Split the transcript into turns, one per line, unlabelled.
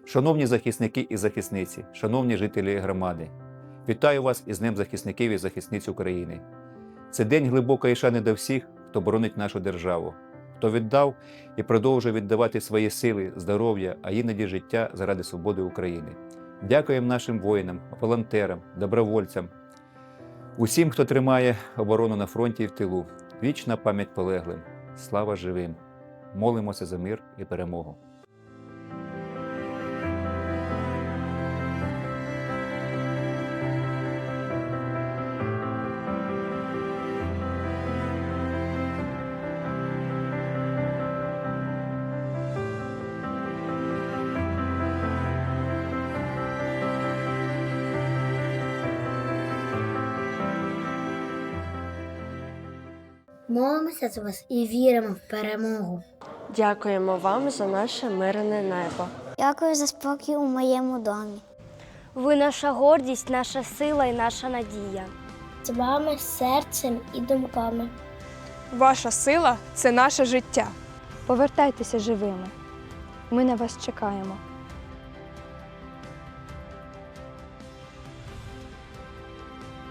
Шановні захисники і захисниці, шановні жителі громади, вітаю вас із Днем захисників і захисниць України. Це день глибокої шани до всіх, хто боронить нашу державу, хто віддав і продовжує віддавати свої сили, здоров'я, а іноді життя заради свободи України. Дякуємо нашим воїнам, волонтерам, добровольцям, усім, хто тримає оборону на фронті і в тилу. Вічна пам'ять полеглим. Слава живим! Молимося за мир і перемогу.
Молимося за вас і віримо в перемогу.
Дякуємо вам за наше мирне небо.
Дякую за спокій у моєму домі.
Ви наша гордість, наша сила і наша надія.
З вами серцем і думками.
Ваша сила – це наше життя.
Повертайтеся живими. Ми на вас чекаємо.